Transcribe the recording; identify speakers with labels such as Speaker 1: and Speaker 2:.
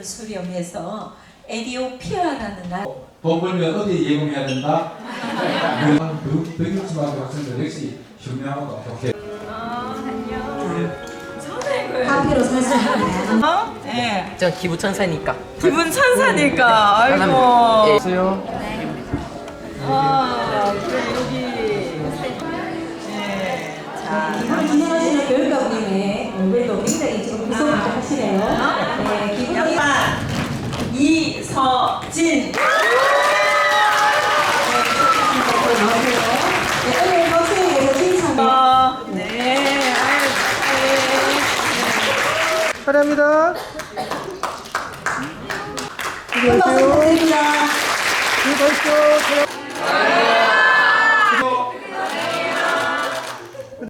Speaker 1: 수렴해서 에디오피아라는 나라.
Speaker 2: 돈 벌면 어디 예공해야 된다? 백육수학교 학생들 역시 현명하고 좋게.
Speaker 1: 카페로 살살 하네.
Speaker 3: 네.
Speaker 4: 저 기부 천사니까.
Speaker 3: 기분 천사니까. 아이고.
Speaker 4: 예. 수요.
Speaker 3: 그래 여기. 네. 자.
Speaker 1: 기부를 진행하시는 교육감님의 얼굴도 굉장히 지금 무서워하시네요. 네, 기부를
Speaker 3: 양반 이서진.
Speaker 1: 네, 오늘 박수에서 신청.
Speaker 3: 네.
Speaker 5: 사랑합니다.
Speaker 1: 박수 부탁드립니다.
Speaker 5: 수고하십시오.